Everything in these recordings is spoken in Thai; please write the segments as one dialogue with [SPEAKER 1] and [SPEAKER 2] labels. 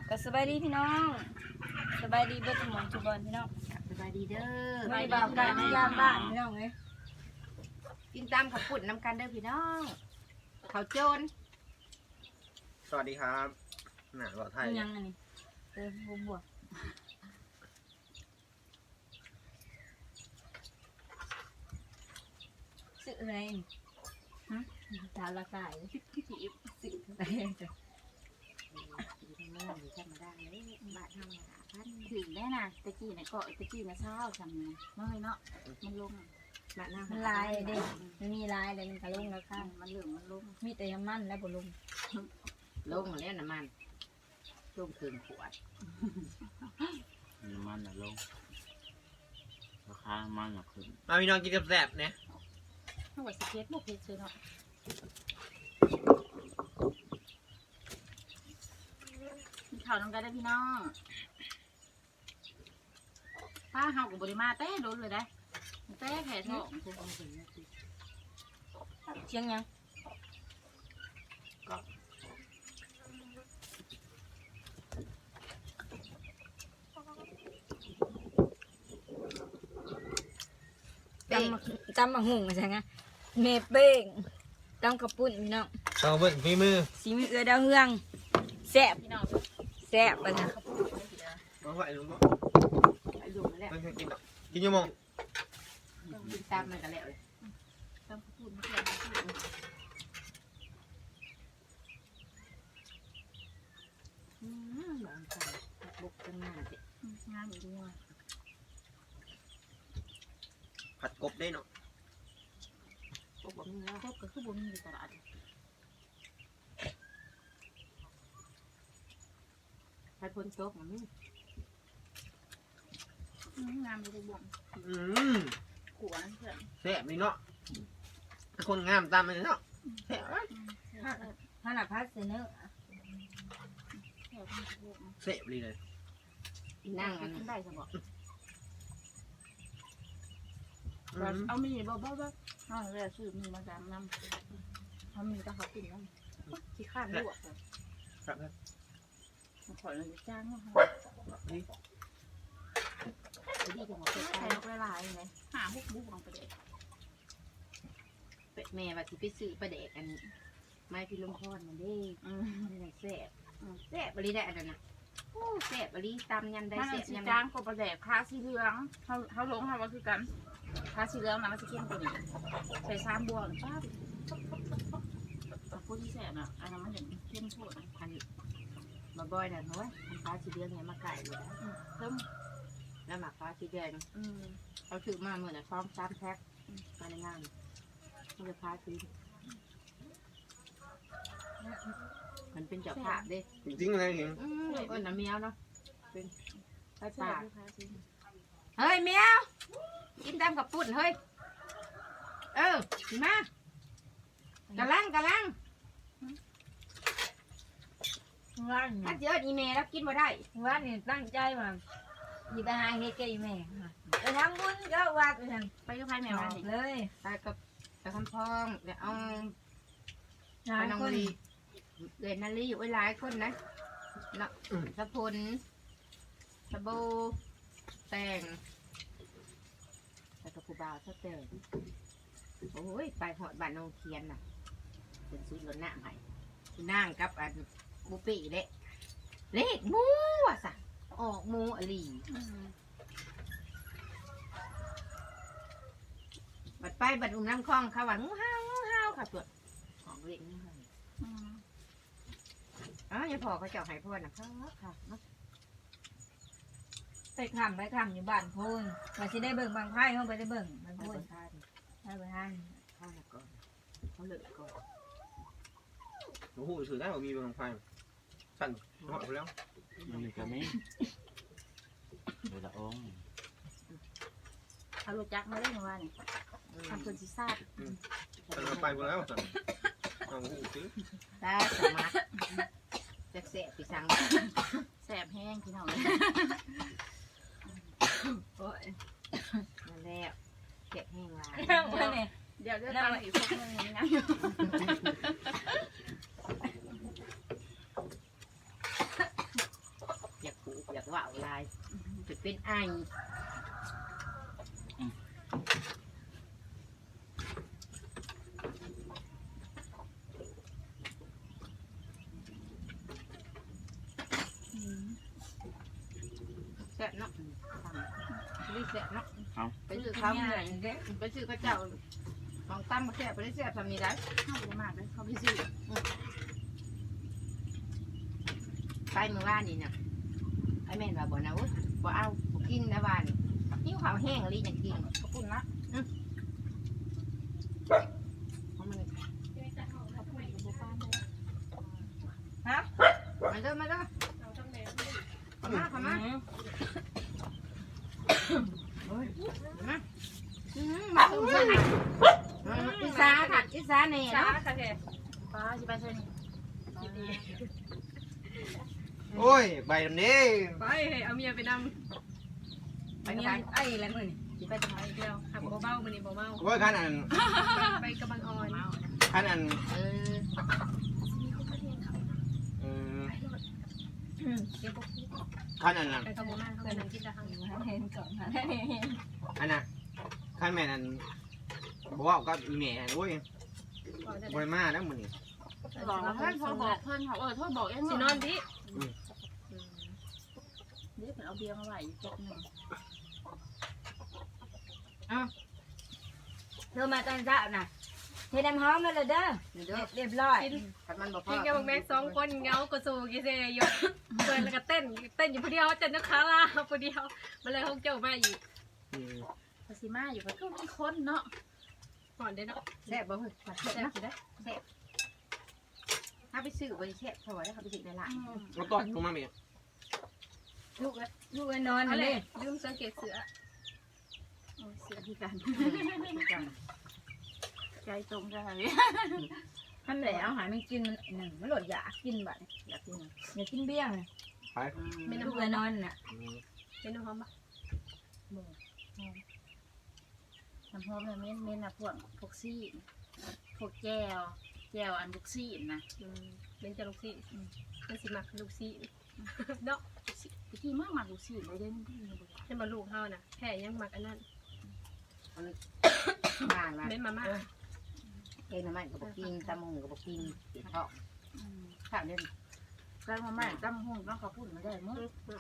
[SPEAKER 1] ก็สบายดีพี่น้องสบายดีเบิดทุกหมอนทุกบอลพี่น้อง
[SPEAKER 2] สบายดีเด้อ
[SPEAKER 1] ไม่บ่าวกันยามบ้านพี่น้องเลย
[SPEAKER 2] กินตามขับปุ่นน้ำกันเด้อพี่น้องเขาโจร
[SPEAKER 3] สวัสดีครับหนาบ่าวไทย
[SPEAKER 1] ยังอันนี้บวกสื่ออะไรฮะตาละกายสื่ออะไรจ้ะ
[SPEAKER 2] เมื่อหรือธรรมดาเลยบาท5,000
[SPEAKER 4] ถึงได้นะตะกี้เนี่ยเกาะตะกี้นะเช้าทำเนี่ยเมื่อยเนาะมันลง
[SPEAKER 2] บาท
[SPEAKER 1] มันลายเด็กมันมีลายเลยมันกระลุงแล้วค่ะ
[SPEAKER 4] มันเหลืองมันลง
[SPEAKER 1] มีแต่ยามันและบุลุง
[SPEAKER 2] ลงแล้วน้ำมันลงถึงขวด
[SPEAKER 5] น้ำมันลงราคามันขึ้น
[SPEAKER 3] มาพี่น้องกินกับแซ่บเนี่ย
[SPEAKER 4] ถ้าว่าสเก็ตบุกเพชรเนาะข่าวน้ำกันได้พี่น้องป้าเฮากับบริมาเต้โดนเลยได้เต้แผลท้อง
[SPEAKER 1] เชียงยังจำมาหุ่งใช่ไหมเมเป้งจำกระปุ่นพี่น้อง
[SPEAKER 3] เอาเบิ้งฝีมือ
[SPEAKER 1] สีมือดาวเฮืองแซ่บ
[SPEAKER 4] พี่น้อง
[SPEAKER 1] แซ่บไปนะ
[SPEAKER 3] มาไหวลุงบ่
[SPEAKER 2] ไอ้ลุงนั่นแหละ
[SPEAKER 3] ไม่เคยกินหรอกกินยังมอง
[SPEAKER 2] กินตามมันกันแล้วเลย
[SPEAKER 4] ตามพูดไม่ใช่
[SPEAKER 2] บางคนบุกกันงานเด็ก
[SPEAKER 4] งานอยู่ด้วย
[SPEAKER 3] ผัดกบได้เนาะ
[SPEAKER 2] พวกผมเนี่ย
[SPEAKER 4] พบก็คือบุญอยู่ตลาด
[SPEAKER 2] ใครพ้นโต๊ะมัน
[SPEAKER 4] งานไปดูบ่วงขวานเพื่อน
[SPEAKER 3] แซ่บนี่เนาะคนงามตามมันเนาะแซ่บ
[SPEAKER 1] ถ้าหน้าพัดเสนอ
[SPEAKER 3] แซ่บเลย
[SPEAKER 2] นั่งอัน
[SPEAKER 4] ได้สมองเอามีบ่เอาเลยซื้อมีมาจำน้ำเขามีก็เขากินน้ำที่ข้างลวก
[SPEAKER 3] ครับ
[SPEAKER 4] มาขอเลยจ้างว่า
[SPEAKER 2] ดีจังหวะ
[SPEAKER 4] ใส่ลงไปหลายเลยหาบุกลงไปเด็ก
[SPEAKER 2] แม่ว่าที่ไปซื้อประเด็กอันไม่พี่ลมพรมันได้มันแซ่บแซ่บบริได้อันนั้นนะโอ้แซ่บบริตำยันได้แซ่บยัน
[SPEAKER 4] จ้างก็ประเด็กคาสีเหลืองเขาลงเขาว่าคือกันคาสีเหลืองนะมันจะเข้มกว่านี้ใส่3 บวกป้าพูดที่แซ่บน่ะอันนั้นมันอย่างเข้มข้น
[SPEAKER 2] อันมาบ่อยนะเฮ้ยมันฟ้าสีเดือนเนี่ยมาไก่เลยเพิ่มแล้วหมักฟ้าสีแดงเขาถือมาเหมือนนะพร้อม3 แพ็คมาในงานมันจะฟ้าสีมันเป็นเจ้าภาพเด้
[SPEAKER 3] จริงๆอะไรเห็น
[SPEAKER 2] ก็น้ำเมียวเนาะเป็นไปป่าเฮ้ยเมียวกินตามกับปุ่นเฮ้ยมากำลัง
[SPEAKER 1] ว่าน
[SPEAKER 2] ถ้าเจออีเมลแล้วกินมาได้
[SPEAKER 1] ว่านนี่ตั้งใจมาอีตาเฮ็ดแกอีแม่ไปทำบุญก็วัดไปทาง
[SPEAKER 4] ไปก็พายแมว
[SPEAKER 1] เลย
[SPEAKER 2] ไปกับคำพองเดี๋ยวเอาน้องลีเรียนนาลีอยู่หลายคนนะเนาะสะพลสะโบแต่งแต่กับผู้บ่าวชอบแต่งโอ้ยไปหอดบ้านน้องเทียนน่ะเป็นซื้อรถหน้าใหม่นั่งกับอันบุปีเลขมูอ่ะสัออกมูอลีบัดไปบัดอุ้มน้ำคล้องเขาว่างูห้าวค่ะตัวของเล็กงูห้าวอย่าพอเขาเจ้าหายพ่อนะครับค่ะ
[SPEAKER 1] ไปคำอยู่บ้านพูนมาสิได้เบิ่งบางไพ่เขาไปได้เบิ่งมันพูนได้ไปท่าน
[SPEAKER 2] ข้าวก่อนเขาเลิกก่อน
[SPEAKER 3] โอ้โหสื่อได้ผมมีบางไฟสั่นหอดแล้ว
[SPEAKER 5] มันก็ไม่เดี๋ยวละอง
[SPEAKER 4] เขารู้จักมาได้ยังไงนี่ทำคนซีซ่า
[SPEAKER 3] สั่นไปหมดแล้วสั่นเอาหูซื้อ
[SPEAKER 2] ได้สมัครจะเสพปีสัง
[SPEAKER 4] แสบแห้งพี่น้อง
[SPEAKER 2] โอ้ยมาแล้วเก็บแห้งลาย
[SPEAKER 4] เดี๋ยวจะตั้งอีกพวกนึงนะ
[SPEAKER 2] เป็นไอ แซ่บเนาะรีแซ่บเนาะไปซื้อข้าวเหนียวไปซื้อกระเจ้าของตั้มมาแซ่บไปได้แซ่บทำนี้ได้
[SPEAKER 4] เข้าไปมากเลยเขาไปซื้อ
[SPEAKER 2] ไปเมื่อวานนี่เนี่ยไอ้แม่นว่าบ่นะวุ้บ่เอาบ่กินนะวานนี่ข้าวแห้งอะไรอย่างกินก็ปุ่นละเพราะมันฮะมาเด้อมาเด้อมาโอ้ยมาตุ้มเพื่อนอีสาค่ะอีสาเนี่ย
[SPEAKER 4] ช้า
[SPEAKER 2] เนาะ
[SPEAKER 4] ค่ะแกป้าจะไปใช่ไหม
[SPEAKER 3] โอ้ยใบดำนี้
[SPEAKER 4] ไปเอาเมียไปน
[SPEAKER 2] ไป
[SPEAKER 1] อัน
[SPEAKER 2] กัน
[SPEAKER 1] นี้
[SPEAKER 2] ไป
[SPEAKER 1] ไอ้แล้วมึง
[SPEAKER 2] สิไปทำไม
[SPEAKER 4] ำเดียวหักเบาๆมันนี่เบา
[SPEAKER 3] โอ้ยขันอัน
[SPEAKER 4] ๆไปกำบังอ่อน
[SPEAKER 3] ขันอัน
[SPEAKER 2] เออ
[SPEAKER 3] ขันอัน
[SPEAKER 4] ไปขโมยมาเขาไปกินตะหัง
[SPEAKER 1] เห็นก่อนนะ
[SPEAKER 3] อันน่ะขันแม่นอันบอกว่าก็อีเมลโอ้ยบริมาแล้วมึงนี่
[SPEAKER 4] บอกเพื่อนเขาบอกเพื่อนเขาโทษบอกเองสินอนดิเดี๋ยวเอาเบียร์มาไหวจบหนึ่ง
[SPEAKER 1] เธอมาตอนเช้าน่ะเทน้ำหอมแล้วเด้อ
[SPEAKER 2] เด้อ
[SPEAKER 1] เรียบร้อย
[SPEAKER 2] ขันมันบอก
[SPEAKER 4] กินกับแม็ก2คนเงากระซูกิเซยกเปิดแล้วก็เต้นอยู่คนเดียวจันนักขาลาคนเดียวมาเลยห้องเจ้ามาอีก
[SPEAKER 6] ภาษีมาอยู่ก็คือมีคนเนาะ
[SPEAKER 4] ก่อนได้เนาะ
[SPEAKER 2] แซ่บบ่เฮ้ย
[SPEAKER 4] แซ่บสิได้
[SPEAKER 2] ถ้าไปซื้อบ่ได้แซ่บเท่าไหร่เขาไปซื้อในร้าน
[SPEAKER 3] แล้วก็ลงมาเมีย
[SPEAKER 1] ลูกนอน
[SPEAKER 4] อะไร
[SPEAKER 1] เลย
[SPEAKER 4] ลืมสังเกตเสือ
[SPEAKER 6] โอ้ยเสียที่กันใจตรงกันเลย
[SPEAKER 1] ท่านแหละเอาหายมันกินหนึ่งมันหลดอยากกินบัด
[SPEAKER 2] อยากกิน
[SPEAKER 1] อยากกินเบี้ยง
[SPEAKER 3] ไป
[SPEAKER 1] ลูกนอนน่ะ
[SPEAKER 4] เป็นน้ำหอมปะ
[SPEAKER 6] น้ำหอมเนี่ยเม้นนะพวกซี่พวกแก้วอันพวกซี่นะ
[SPEAKER 4] เป็นจะลูกซี่เป็นสิมักลูกซี่เนาะ
[SPEAKER 6] ที่มากมากพวกซี่เลยเด้
[SPEAKER 4] ให้มาลูกเฮาน่ะแค่ยังมักอันนั้น
[SPEAKER 2] บ้านละ
[SPEAKER 4] เป็นมาม่า
[SPEAKER 2] เอ็นมันก็บ่กินตะมุงก็บ่กินติดท้องข้าวเด่น
[SPEAKER 6] การมาใหม่ตั้งห้องต้องเขาพูดมาได้มั้ง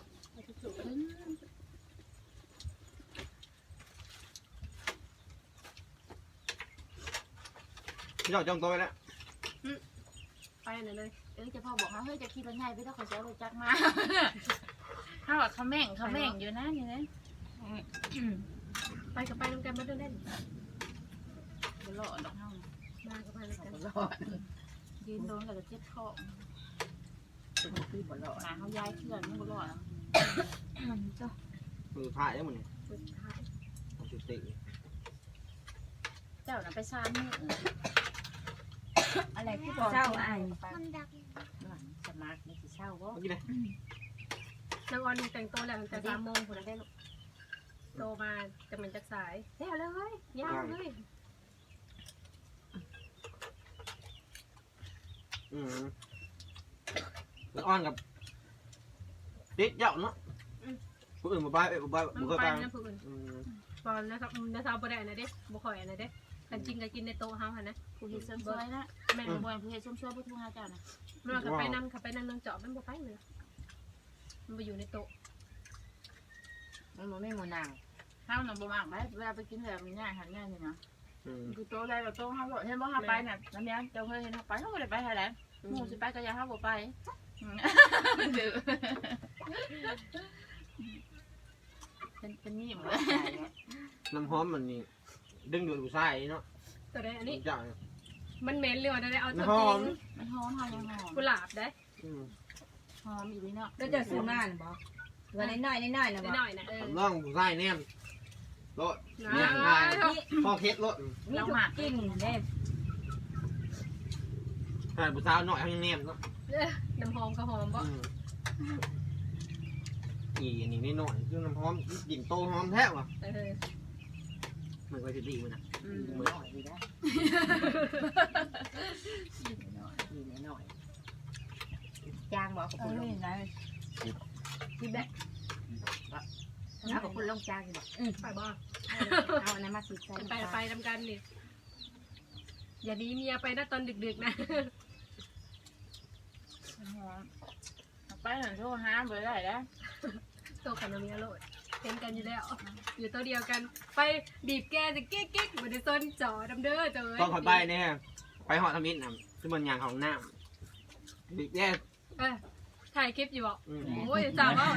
[SPEAKER 3] พี่เราจ้องตัวไปแล้ว
[SPEAKER 4] ไปไหนเลย
[SPEAKER 6] จะพ่อบอกว่าเฮ้ยจะขี่รถใหญ่ไปต้องขอเสียรถจักรมาถ้าว่าเขาแม่งอยู่นะนี่นะ
[SPEAKER 4] ไปกับไปน้ำกันมาเล่น
[SPEAKER 6] บ่หล่อดอกเฮา
[SPEAKER 4] มากับไปน้ำกัน
[SPEAKER 2] บ่รอด
[SPEAKER 6] ยืนโดนแล้วก็เจ็บคอ
[SPEAKER 2] เป็นที่บ่รอด
[SPEAKER 6] หาเขาย้ายเพื่อนไม่บ่หล่อ
[SPEAKER 3] มือพายแล้วมึงนี่
[SPEAKER 4] สุดท้าย
[SPEAKER 3] สุดติ
[SPEAKER 6] เจ้าน่ะไปซ้ำมือ
[SPEAKER 1] อะไรที่เจ้าไอ้
[SPEAKER 2] สมาร์ทนี่สิเช่าบ่
[SPEAKER 3] เมื่อกี้เลย
[SPEAKER 4] นางออนแต่งตัวแล้วแต่3 โมงคนละได้ลูกโตมาจะเป็นจักสายเฮ้ยเลยเฮ้ยยาวเลย
[SPEAKER 3] แล้วอ้อนกับติดเจ้าเนาะผู้อื่นบ่ไปบ่ไป
[SPEAKER 4] มัน
[SPEAKER 3] บ่
[SPEAKER 4] ไป
[SPEAKER 3] ไป
[SPEAKER 4] นะผู้อื่นตอนนะครับนะสาวบ่ได้นะเด้บ่ค่อยนะเด้กันจริงก็กินในโต๊ะเฮาหั่นนะ
[SPEAKER 6] ผู้เฮ็ดเสริมสวยนะ
[SPEAKER 4] แม่
[SPEAKER 6] บ่ผู้เฮ็ดเสริมสวยผู้ทุงหาเจ้านะ
[SPEAKER 4] มันก็ไปนำขับไปนำนางเจาะมันบ่ไปเลยมันไปอยู่ในโต๊ะ
[SPEAKER 2] มันบ่มีหมูนาง
[SPEAKER 6] เฮาน่ะบ่มักไปเวลาไปกินแบบนี้หันง่ายนี่นะ
[SPEAKER 3] อืม
[SPEAKER 6] คือโตได้แบบโตเฮาเห็นบ่เฮาไปน่ะน้ำยางเจ้าเคยเห็นเฮาไปเฮาบ่ได้ไปหาแหละหมู่สิไปก็อย่าเฮาบ่ไปดื้อเป็นนี่หมด
[SPEAKER 3] น้ำหอมมันนี่ดึงดูดผู้ชายเนาะ
[SPEAKER 4] ตัวได้อันนี้
[SPEAKER 3] เจ้า
[SPEAKER 4] มันเหม็นเลยว่ะได้เอาตัว
[SPEAKER 3] ห
[SPEAKER 4] จ
[SPEAKER 3] อ
[SPEAKER 4] ริ
[SPEAKER 3] ม
[SPEAKER 4] ง
[SPEAKER 6] มันหอมเฮายังหอม
[SPEAKER 4] กุหลาบได้
[SPEAKER 6] หอมอีหลีเนาะ
[SPEAKER 1] แล้วจะซื้อมาหรือบ่ตัวน้อยๆนะบ่
[SPEAKER 4] หน่อยนะ
[SPEAKER 3] ร่องผู้ชายแนมรถ
[SPEAKER 4] นะ
[SPEAKER 3] เนี่ยได้พ่อเคสรถ
[SPEAKER 1] มีทุกกินเด้
[SPEAKER 3] ถ้าผู้สาวน้อยทั้งแนมเนาะ
[SPEAKER 4] น้ำหอมก็หอมบ่
[SPEAKER 3] อีอันนี้นิดหน่อยคือน้ำหอมกลิ่นโตหอมแท้ว่ะ มันก็จะดีมันนะ
[SPEAKER 2] มือหน่อยดีนะดีหน่อยจางบ่กับ
[SPEAKER 1] เอ
[SPEAKER 2] ผู้
[SPEAKER 1] อ
[SPEAKER 2] ลง
[SPEAKER 1] นี่นะที่แบบ
[SPEAKER 2] เอากับคุณลงจานบอก
[SPEAKER 7] ไปบ่
[SPEAKER 2] เอาอันนั้นมาสีใส่
[SPEAKER 7] ไปทำกันนี่อย่าดีเมียไปนะตอนดึกๆนะ
[SPEAKER 6] ไปหนึ่งโทรหาเบอร์ได้แล้ว
[SPEAKER 7] ตัวกับน้ำเมียโลดเห็นกันอยู่แล้วอยู่ตัวเดียวกันไปบีบแกจะเก๊กๆเหมือนในต้นจ่อดำเด้อเจอ
[SPEAKER 3] ต้องคอยไปเนี่ยไปหอทมิตรนะคือมันยางของน้ำบิ๊กแย่
[SPEAKER 7] ถ่ายคลิปอยู่บอก
[SPEAKER 3] อืม
[SPEAKER 7] โอ้ยจ้าว่า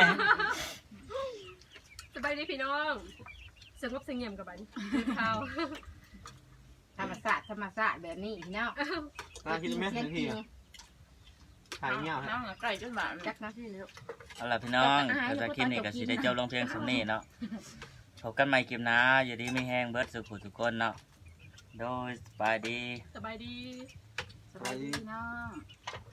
[SPEAKER 7] สบายดีพี่น้องสงบเสงี่ยมกับบันข้าว
[SPEAKER 2] ธรรมศาสตร์แบบนี้พี่น้อง
[SPEAKER 3] ตาคิดไหมนาทีอะถ่ายเงี้ย
[SPEAKER 6] น้องไก่จนบาด
[SPEAKER 2] จักนาทีลูก
[SPEAKER 5] เอาล่ะพี่น้องก็จะคลิปนี้ก็สิได้จบลงเพียงสำนี้เนาะพบกันใหม่คลิปหน้าอยู่ดีไม่แห้งเบิดสุขุทุกคนเนาะโดยสบายดี
[SPEAKER 7] สบายดี
[SPEAKER 6] สบายดีน้อง
[SPEAKER 3] ส